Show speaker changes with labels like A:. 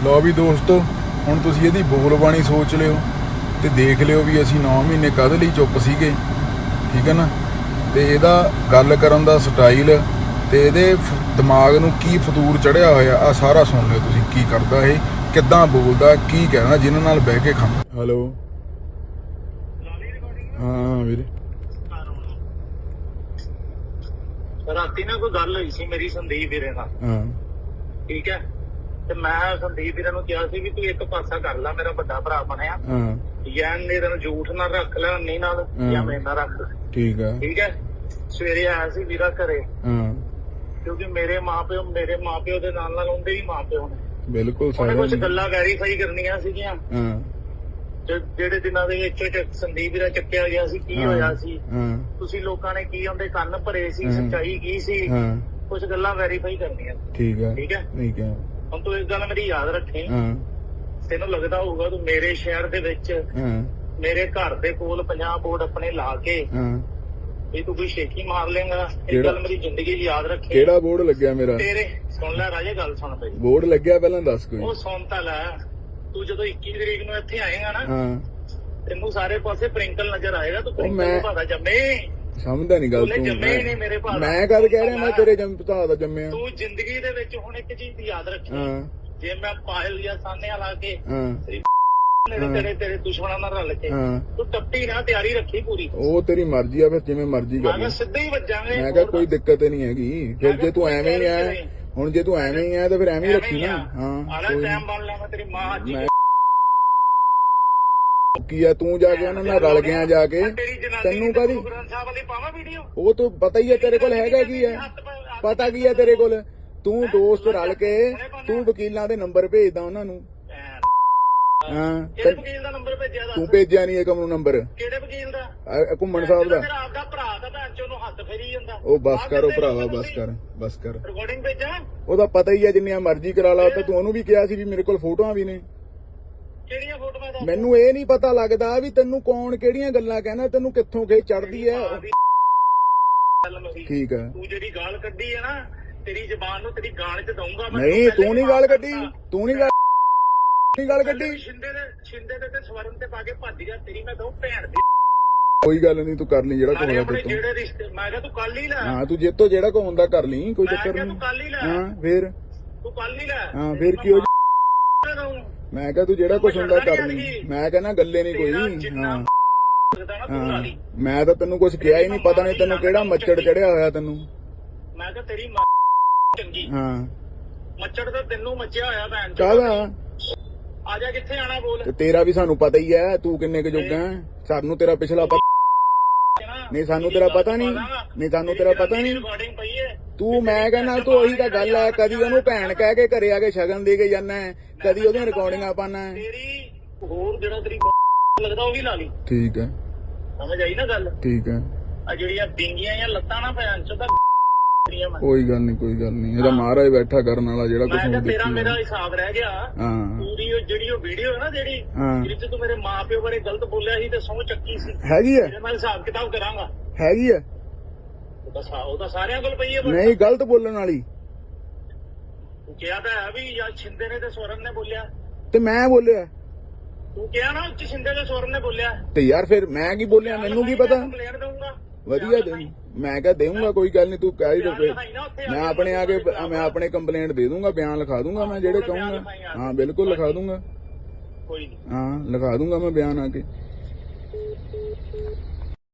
A: ਲਓ ਵੀ ਦੋਸਤੋ, ਹੁਣ ਤੁਸੀਂ ਇਹਦੀ ਬੋਲ ਬਾਣੀ ਸੋਚ ਲਿਓ ਤੇ ਦੇਖ ਲਿਓ ਵੀ ਅਸੀਂ 9 ਮਹੀਨੇ ਕਦ ਲਈ ਚੁੱਪ ਸੀਗੇ, ਠੀਕ ਹੈ ਨਾ। ਤੇ ਇਹਦਾ ਗੱਲ ਕਰਨ ਦਾ ਸਟਾਈਲ ਤੇ ਇਹਦੇ ਦਿਮਾਗ ਨੂੰ ਕੀ ਫਤੂਰ ਚੜਿਆ ਹੋਇਆ ਆ ਸਾਰਾ ਸੁਣ ਲਿਓ ਤੁਸੀਂ। ਕੀ ਕਰਦਾ ਇਹ, ਕਿੱਦਾਂ ਬੋਲਦਾ, ਕੀ ਕਹਿੰਦਾ ਜਿਨ੍ਹਾਂ ਨਾਲ ਬਹਿ ਕੇ ਖਾਂਦਾ। ਹੈਲੋ, ਹਾਂ ਵੀਰੇ।
B: ਰਾਤੀ ਨਾ ਕੋਈ ਗੱਲ ਹੋਈ ਸੀ ਮੇਰੀ ਸੰਦੀਪ ਵੀਰੇ ਨਾਲ,
A: ਹਾਂ
B: ਠੀਕ ਹੈ। ਤੇ ਮੈਂ ਸੰਦੀਪ ਵੀਰੇ ਨੂੰ ਕਿਹਾ ਸੀ ਵੀ ਤੂੰ ਇੱਕ ਪਾਸਾ ਕਰ ਲੈ, ਮੇਰਾ ਵੱਡਾ ਭਰਾ ਬਣਿਆ,
A: ਹਾਂ
B: ਜਾਂ ਮੇਰੇ ਨਾਲ ਝੂਠ ਨਾ ਰੱਖ ਲੈ ਨਹੀਂ ਨਾਲ, ਜਾਂ ਮੇਰੇ ਨਾਲ ਰੱਖ ਲੈ,
A: ਠੀਕ ਆ,
B: ਠੀਕ ਹੈ। ਸਵੇਰੇ ਆਇਆ ਸੀ ਵੀਰਾ ਘਰੇ,
A: ਹਾਂ
B: ਕਿਉਂਕਿ ਮੇਰੇ ਮਾਪਿਓ ਦੇ ਨਾਲ ਉਹਦੇ ਵੀ ਮਾਪਿਓ ਨੇ,
A: ਬਿਲਕੁਲ
B: ਉਹਨੇ ਕੁਝ
A: ਸਾਰੇ,
B: ਗੱਲਾਂ ਵੈਰੀਫਾਈ ਕਰਨੀਆਂ ਸੀਗੀਆਂ।
A: ਹਾਂ
B: ਜਿਹੜੇ ਦਿਨਾਂ ਦੇ ਵਿੱਚ ਸੰਦੀਪ ਵੀਰਾ ਚੱਕਿਆ ਗਿਆ ਸੀ, ਕੀ ਹੋਇਆ ਸੀ,
A: ਹਾਂ
B: ਤੁਸੀਂ ਲੋਕਾਂ ਨੇ ਕੀ ਉਹਦੇ ਕੰਨ ਭਰੇ ਸੀ,
A: ਹਾਂ।
B: ਸੱਚਾਈ ਕੀ ਸੀ,
A: ਹਾਂ
B: ਕੁਝ ਗੱਲਾਂ ਵੈਰੀਫਾਈ ਕਰਨੀਆਂ।
A: ਠੀਕ ਆ,
B: ਠੀਕ ਹੈ।
A: ਠੀਕ ਆ,
B: ਹੁਣ ਤੂੰ ਇੱਕ ਗੱਲ ਮੇਰੀ ਯਾਦ ਰੱਖੀ,
A: ਹਾਂ
B: ਤੈਨੂੰ ਲੱਗਦਾ ਹੋਊਗਾ ਤੂੰ ਮੇਰੇ ਸ਼ਹਿਰ ਦੇ ਵਿੱਚ
A: ਹਾਂ
B: ਮੇਰੇ ਘਰ ਦੇ ਕੋਲ 50 ਬੋਰਡ ਆਪਣੇ ਲਾ ਕੇ
A: ਹਾਂ।
B: ਵੀ ਤੂੰ ਕੋਈ ਸ਼ੇਖੀ ਮਾਰ ਲੇਗਾ। ਇਹ
A: ਕਿਹੜਾ?
B: ਗੱਲ ਮੇਰੀ ਜ਼ਿੰਦਗੀ 'ਚ ਯਾਦ ਰੱਖੀ।
A: ਕਿਹੜਾ ਬੋਰਡ ਲੱਗਿਆ ਮੇਰਾ?
B: ਤੇਰੇ ਸੁਣ ਲੈ ਰਾਜੇ, ਗੱਲ ਸੁਣ ਪਈ।
A: ਬੋਰਡ ਲੱਗਿਆ ਪਹਿਲਾਂ ਦੱਸ ਕੋਈ।
B: ਉਹ ਸੁਣ ਤਾਂ ਲੈ, ਤੂੰ ਜਦੋਂ 21 ਤਰੀਕ ਨੂੰ ਇੱਥੇ ਆਏਗਾ ਨਾ,
A: ਹਾਂ
B: ਤੈਨੂੰ ਸਾਰੇ ਪਾਸੇ ਪ੍ਰਿੰਕਲ ਨਜ਼ਰ ਆਏਗਾ। ਤੂੰ
A: ਮੈਂ-
B: ਪ੍ਰਿੰਕਲ ਭਾਦਾ ਜੰਮੇ,
A: ਸਮਝਦਾ ਨਹੀਂ ਗੱਲ
B: ਤੂੰ
A: ਤੂੰ।
B: ਜੰਮੇ ਨਹੀਂ ਮੇਰੇ ਭਾਦਾ।
A: ਮੈਂ ਕਦ ਕਹਿ ਰਿਹਾ ਮੈਂ ਤੇਰੇ ਭਰਾ ਦਾ ਜੰਮਿਆ।
B: ਤੂੰ ਜ਼ਿੰਦਗੀ ਦੇ ਵਿੱਚ ਹੁਣ ਇੱਕ ਚੀਜ਼ ਯਾਦ ਰੱਖੀ,
A: ਹਾਂ
B: ਜੇ ਮੈਂ ਪਾਇਲ ਜਾਂ ਸਾਨਿਆ ਲਾ ਕੇ
A: ਹਾਂ
B: ਤੇਰੇ ਦੁਸ਼ਮਣਾਂ ਨਾਲ ਰਲ ਕੇ
A: ਹਾਂ,
B: ਤੂੰ ਟੱਪੀ ਨਾ, ਤਿਆਰੀ ਰੱਖੀ ਪੂਰੀ।
A: ਉਹ ਤੇਰੀ ਮਰਜ਼ੀ ਆ, ਫਿਰ ਜਿਵੇਂ ਮਰਜ਼ੀ
B: ਮੈਂ
A: ਕਰ
B: ਕਿਹਾ
A: ਲੈ।
B: ਸਿੱਧੇ ਹੀ ਵੱਜਾਂਗੇ।
A: ਮੈਂ ਕਿਹਾ ਕੋਈ ਦਿੱਕਤ ਨਹੀਂ ਹੈਗੀ। ਫਿਰ ਜੇ ਤੂੰ ਐਵੇਂ ਹੀ ਆ, ਹੁਣ ਜੇ ਤੂੰ ਐਵੇਂ ਹੀ ਆ ਤਾਂ ਫਿਰ ਐਵੇਂ ਹੀ ਰੱਖੀ ਨਾ। ਹਾਂ
B: ਆਲਾ
A: ਕੋਈ
B: ਟਾਈਮ ਬਣ ਲਿਆ, ਮੈਂ ਤੇਰੀ ਮਾਂ ਅੱਜ
A: ਮੈਂ ਕੀ ਆ, ਤੂੰ ਜਾ ਕੇ ਉਹਨਾਂ ਨਾਲ ਰਲ ਗਿਆ ਜਾ ਕੇ। ਤੈਨੂੰ ਕਾਹਦੀ,
B: ਗ੍ਰੰਥ ਸਾਹਿਬ ਵਾਲੀ ਪਾਵਾਂ ਵੀਡੀਓ?
A: ਉਹ ਤੂੰ ਪਤਾ ਹੀ ਹੈ ਤੇਰੇ ਕੋਲ ਹੈਗਾ ਕੀ ਹੈ, ਪਤਾ ਕੀ ਹੈ ਤੇਰੇ ਕੋਲ। ਤੂੰ ਦੋਸਤ ਰਲ ਕੇ ਤੂੰ ਵਕੀਲਾਂ ਦੇ ਨੰਬਰ ਭੇਜਦਾ ਉਹਨਾਂ ਨੂੰ। ਹਾਂ
B: ਕਿਹੜੇ ਵਕੀਲ ਦਾ ਨੰਬਰ ਭੇਜਿਆ?
A: ਤੂੰ ਭੇਜਿਆ ਨਹੀਂ ਏਕਮ ਨੂੰ ਨੰਬਰ,
B: ਕਿਹੜੇ ਵਕੀਲ ਦਾ?
A: ਘੁੰਮਣ ਸਾਹਿਬ ਦਾ।
B: ਮੇਰਾ ਆਪਦਾ ਭਰਾ ਦਾ ਭੈਣ ਚੋਂ ਨੂੰ ਹੱਥ ਫੇਰੀ ਜਾਂਦਾ।
A: ਉਹ ਬਸ ਕਰ, ਉਹ ਭਰਾਵਾ ਬਸ ਕਰ, ਬਸ ਕਰ।
B: ਰਿਕਾਰਡਿੰਗ ਭੇਜਾਂ?
A: ਉਹਦਾ ਪਤਾ ਹੀ ਹੈ, ਜਿੰਨੀਆਂ ਮਰਜ਼ੀ ਕਰਾ ਲਾ। ਤਾਂ ਤੂੰ ਉਹਨੂੰ ਵੀ ਕਿਹਾ ਸੀ ਵੀ ਮੇਰੇ ਕੋਲ ਫੋਟੋਆਂ ਵੀ ਨੇ।
B: ਕਿਹੜੀਆਂ ਫੋਟੋਆਂ ਦਾ?
A: ਮੈਨੂੰ ਇਹ ਨਹੀਂ ਪਤਾ ਲੱਗਦਾ ਵੀ ਤੈਨੂੰ ਕੌਣ ਕਿਹੜੀਆਂ ਗੱਲਾਂ ਕਹਿੰਦਾ, ਤੈਨੂੰ ਕਿੱਥੋਂ ਖੇ ਚੜਦੀ ਹੈ। ਠੀਕ ਹੈ,
B: ਤੂੰ ਜਿਹੜੀ ਗਾਲ ਕੱਢੀ ਹੈ ਨਾ, ਤੇਰੀ ਜ਼ਬਾਨ ਨੂੰ ਤੇਰੀ ਗਾਲ 'ਚ ਦਊਂਗਾ ਮੈਂ।
A: ਨਹੀਂ ਤੂੰ ਨਹੀਂ ਗੱਲ ਕੱਢੀ, ਤੂੰ ਨਹੀਂ ਗੱਲ ਕੱਢੀ।
B: ਸ਼ਿੰਦੇ ਦੇ ਤੇ ਸਵਰਨ ਤੇ ਪਾ ਕੇ ਭੱਜ ਗਿਆ, ਤੇਰੀ ਮੈਂ ਦਊਂ ਭੈਣ ਦੀ।
A: ਕੋਈ ਗੱਲ ਨਹੀਂ, ਤੂੰ ਕਰ ਲਈ ਜਿਹੜਾ
B: ਨਾਲੇ
A: ਕੋਲ
B: ਆਪਣੇ
A: ਤੂੰ।
B: ਜਿਹੜੇ ਰਿਸ਼ਤੇ, ਮੈਂ ਕਿਹਾ ਤੂੰ ਕੱਲ ਹੀ ਲੈ।
A: ਹਾਂ ਤੂੰ ਜੇਤੋਂ ਜਿਹੜਾ ਕੋ ਹੁੰਦਾ ਕਰ ਲਈ, ਕੋਈ
B: ਮੈਂ
A: ਚੱਕਰ
B: ਕਿਹਾ
A: ਨਹੀਂ।
B: ਤੂੰ ਕੱਲ ਹੀ ਲੈ।
A: ਹਾਂ ਫੇਰ,
B: ਤੂੰ ਕੱਲ ਹੀ ਲੈ।
A: ਹਾਂ ਫੇਰ ਕੀ ਹੋ ਜਾ-
B: ਦਊਂ।
A: ਮੈਂ ਕਿਹਾ ਤੂੰ ਜਿਹੜਾ ਕੁਛ ਹੁੰਦਾ ਕਰ ਲਈ। ਮੈਂ ਕਹਿੰਦਾ ਗੱਲੇ ਨਹੀਂ
B: ਤੇਰਾ
A: ਕੋਈ।
B: ਜਿੰਨਾ
A: ਹਾਂ
B: ਲੱਗਦਾ ਨਾ ਤੂੰ ਲਾ ਲਈ।
A: ਮੈਂ ਤਾਂ ਤੈਨੂੰ ਕੁਛ ਕਿਹਾ ਹੀ ਨਹੀਂ, ਪਤਾ ਨਹੀਂ ਤੈਨੂੰ ਕਿਹੜਾ ਮੱਛੜ ਚੜਿਆ ਹੋਇਆ ਤੈਨੂੰ।
B: ਮੈਂ ਕਿਹਾ ਤੇਰੀ ਮਾਂ ਚੰਗੀ।
A: ਹਾਂ
B: ਮੱਛੜ ਤਾਂ ਤੈਨੂੰ ਮੱਚਿਆ ਹੋਇਆ ਭੈਣ ਚੋਦ।
A: ਕਾਹਦਾ?
B: ਆ ਜਾ, ਕਿੱਥੇ ਆਣਾ ਬੋਲ।
A: ਤੇ ਤੇਰਾ ਵੀ ਸਾਨੂੰ ਪਤਾ ਹੀ ਹੈ, ਤੂੰ ਕਿੰਨੇ ਕੁ ਜੋਗਾ ਹੈ। ਸਾਨੂੰ ਤੇਰਾ ਪਿਛਲਾ ਪਤਾ ਨਹੀਂ, ਸਾਨੂੰ ਤੇਰਾ ਪਤਾ ਨਹੀਂ। ਨਹੀਂ ਸਾਨੂੰ ਤੇਰਾ ਪਤਾ ਨਹੀਂ।
B: ਰਿਕਾਰਡਿੰਗ ਪਈ ਹੈ
A: ਤੂੰ ਮੈਂ ਕਹਿੰਦਾ ਤੂੰ ਉਹੀ ਤਾਂ ਗੱਲ ਹੈ, ਕਦੀ ਉਹਨੂੰ ਭੈਣ ਕਹਿ ਕੇ ਘਰੇ ਆ ਕੇ ਸ਼ਗਨ ਦੇ ਕੇ ਜਾਂਦਾ, ਕਦੀ ਉਹਦੀਆਂ ਰਿਕਾਰਡਿੰਗਾਂ ਪਾਣਾ।
B: ਤੇਰੀ ਹੋਰ ਜਿਹੜਾ ਤੇਰੀ ਲੱਗਦਾ ਉਹ ਵੀ ਲਾ ਲਈ।
A: ਠੀਕ ਹੈ,
B: ਸਮਝ ਆਈ ਨਾ ਗੱਲ?
A: ਠੀਕ ਹੈ,
B: ਆ ਜਿਹੜੀਆਂ ਬਿੰਗੀਆਂ ਜਾਂ ਲੱਤਾਂ ਨਾ ਭੈਣ ਚੋਦ ਮੈਂ
A: ਕੋਈ ਗੱਲ ਨਹੀਂ, ਕੋਈ ਗੱਲ ਨਹੀਂ। ਇਹਦਾ ਮਹਾਰਾਜ ਬੈਠਾ ਕਰਨ ਵਾਲਾ ਜਿਹੜਾ ਕੁਛ
B: ਕਿਹਾ
A: ਹੁਣ
B: ਤੇਰਾ
A: ਦੇਖੀ
B: ਮੇਰਾ ਹਿਸਾਬ ਰਹਿ ਗਿਆ।
A: ਹਾਂ
B: ਪੂਰੀ ਉਹ ਜਿਹੜੀ ਉਹ ਵੀਡੀਓ ਹੈ ਨਾ, ਜਿਹੜੀ
A: ਹਾਂ
B: ਜਿਹਦੇ ਚ ਤੂੰ ਮੇਰੇ ਮਾਪਿਓ ਬਾਰੇ ਗਲਤ ਬੋਲਿਆ ਸੀ ਤੇ ਸਹੁੰ ਚੱਕੀ ਸੀ,
A: ਹੈਗੀ ਹੈ,
B: ਤੇਰੇ ਨਾਲ ਹਿਸਾਬ ਕਿਤਾਬ ਕਰਾਂਗਾ।
A: ਹੈਗੀ ਹੈ।
B: ਉਹ ਤਾਂ ਸਾਰਿਆਂ ਕੋਲ ਪਈ ਹੈ।
A: ਨਹੀਂ ਗਲਤ ਬੋਲਣ ਵਾਲੀ
B: ਤੂੰ ਕਿਹਾ ਤਾਂ ਹੈ ਵੀ ਜਾਂ ਛਿੰਦੇ ਨੇ ਤੇ ਸਵਰਨ ਨੇ ਬੋਲਿਆ।
A: ਤੇ ਮੈਂ ਬੋਲਿਆ,
B: ਤੂੰ ਕਿਹਾ ਨਾ ਉੱਚ ਛਿੰਦੇ ਤੇ ਸਵਰਨ ਨੇ ਬੋਲਿਆ।
A: ਤੇ ਯਾਰ ਫਿਰ ਮੈਂ ਕੀ ਬੋਲਿਆ, ਮੈਨੂੰ ਕੀ ਪਤਾ।
B: ਕੰਪਲੇਂਟ ਦਊਂਗਾ।
A: ਵਧੀਆ ਮੈਂ ਕਿਹਾ ਦੇਊਂਗਾ, ਕੋਈ ਗੱਲ ਨਹੀਂ। ਤੂੰ ਕਹਿ ਹੀ ਦੇ, ਮੈਂ ਆਪਣੇ ਆ ਕੇ ਮੈਂ ਆਪਣੇ ਕੰਪਲੇਂਟ ਦੇ ਦੂੰਗਾ, ਬਿਆਨ ਲਿਖਾ ਦੂੰਗਾ ਮੈਂ ਜਿਹੜੇ ਕਹੂੰਗਾ। ਹਾਂ ਬਿਲਕੁਲ ਲਿਖਾ ਦੂੰਗਾ।
B: ਕੋਈ ਨਹੀਂ।
A: ਹਾਂ ਲਿਖਾ ਦੂੰਗਾ ਮੈਂ ਬਿਆਨ ਆ ਕੇ।